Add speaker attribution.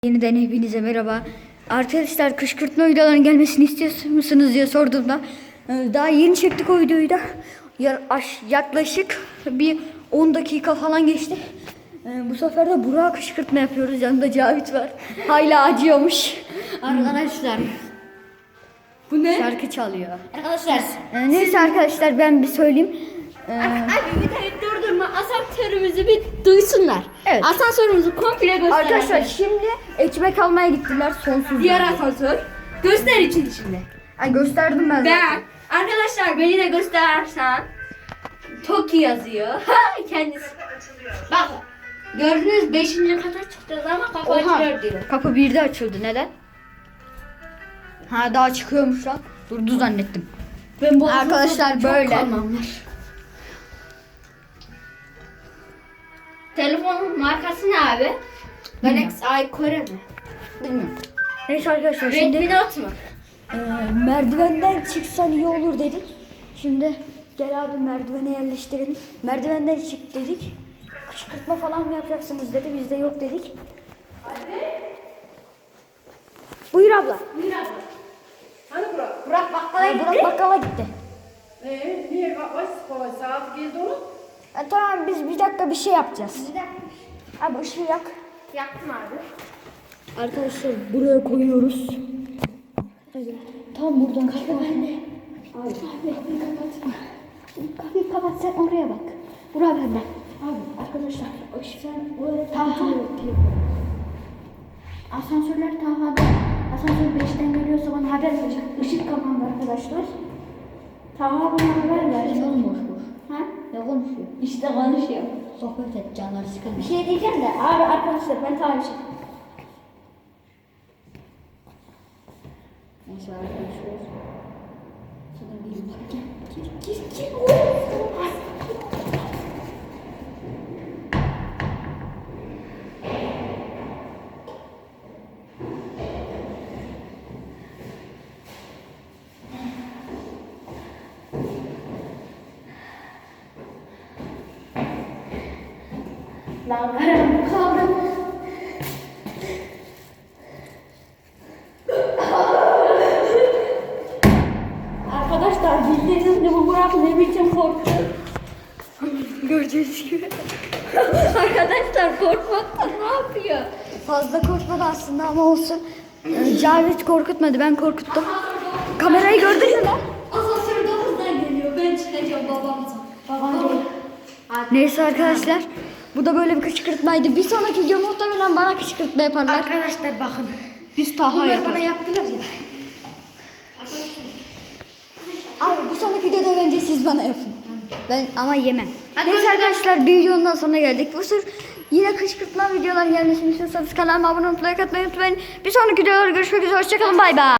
Speaker 1: Yeniden hepinize merhaba. Arkadaşlar kışkırtma videolarının gelmesini istiyor musunuz diye sorduğumda daha yeni çektik o videoyu da yaklaşık bir 10 dakika falan geçti. Bu sefer de Burak'a kışkırtma yapıyoruz. Yanında Cavit var. Hala acıyormuş.
Speaker 2: Arkadaşlar.
Speaker 1: Bu ne? Şarkı çalıyor.
Speaker 2: Arkadaşlar.
Speaker 1: Neyse arkadaşlar ben bir söyleyeyim.
Speaker 2: Abi videoyu durdurma. Asansörümüzü bir duysunlar.
Speaker 1: Evet.
Speaker 2: Asansörümüzü komple göster.
Speaker 1: Arkadaşlar şimdi ekmek almaya gittiler sonsuz.
Speaker 2: Diğer asansör. Göster için şimdi.
Speaker 1: Ay gösterdim ben zaten.
Speaker 2: Arkadaşlar beni de göstersen. Toki yazıyor. Kendisi. Bak. Gördünüz 5. kata çıktığınız ama kapı açılıyor diyor.
Speaker 1: Kapı 1'de açıldı. Neden? Ha daha çıkıyormuş lan. Durdu zannettim.
Speaker 2: Ben bu
Speaker 1: Arkadaşlar
Speaker 2: çok
Speaker 1: böyle.
Speaker 2: kalmam var. Telefonun markası ne abi? Galaxy i Kore mi?
Speaker 1: Bilmiyorum. Neyse arkadaşlar
Speaker 2: Redmi
Speaker 1: şimdi
Speaker 2: Note mu?
Speaker 1: merdivenden çıksan iyi olur dedik. Şimdi gel abi merdivene yerleştirelim. Merdivenden çık dedik. Kışkırtma falan mı yapacaksınız dedi. Biz de yok dedik. Buyur abla.
Speaker 2: Buyur abi.
Speaker 3: Hani Burak?
Speaker 2: Burak bakkala gitti.
Speaker 1: Burak bakkala gitti.
Speaker 3: Niye was saat geldi oğlum?
Speaker 1: Tamam biz bir dakika bir şey yapacağız. Abi ışığı yak.
Speaker 2: Yaktım abi.
Speaker 1: Arkadaşlar buraya koyuyoruz. Evet. Tam buradan kapı bende. Abi kapıyı kapat. Kapıyı kapat sen oraya bak. Buraya bende. Abi arkadaşlar sen oraya takılıyor. Asansörler Taha'da. Asansör 5'ten geliyorsa bana haber verecek. Işık kapandı arkadaşlar. Taha bana haber ver. Ne olmuş bu? Ha? Ne konuşuyor?
Speaker 2: İşte konuşuyor.
Speaker 1: Sohbet et canları sıkılmış.
Speaker 2: Bir şey diyeceğim de abi arkadaşlar ben tamam bir şey.
Speaker 1: Neyse arkadaşlar. Sana bir bak gel. Gir.
Speaker 2: Lan karanlık kaldım. Arkadaşlar bildiğiniz gibi bu Burak ne biçim korktu.
Speaker 1: Göreceğiz gibi.
Speaker 2: Arkadaşlar korkmaktan ne yapıyor?
Speaker 1: Fazla korkmadı aslında ama olsun. Cavit korkutmadı, ben korkuttum. Kamerayı gördün mü lan?
Speaker 2: Asansör 9'dan geliyor. Ben çıkacağım babamıza. Babam değil.
Speaker 1: Neyse arkadaşlar. Bu da böyle bir kışkırtmaydı. Bir sonraki video muhtemelen bana kışkırtma yaparlar.
Speaker 2: Arkadaşlar bakın.
Speaker 1: Biz Taha
Speaker 2: Bunlar bana
Speaker 1: yaparız.
Speaker 2: yaptılar ya.
Speaker 1: Abi bir sonraki videoda bence siz bana yapın. Ben ama yemem. Neyse arkadaşlar bir videonun daha sonuna geldik. Bu sır yine kışkırtma videolar gelmesini istiyorsanız kanalıma abone olmayı, like atmayı unutmayın. Bir sonraki videolarda görüşmek üzere. Hoşçakalın. Bay bay.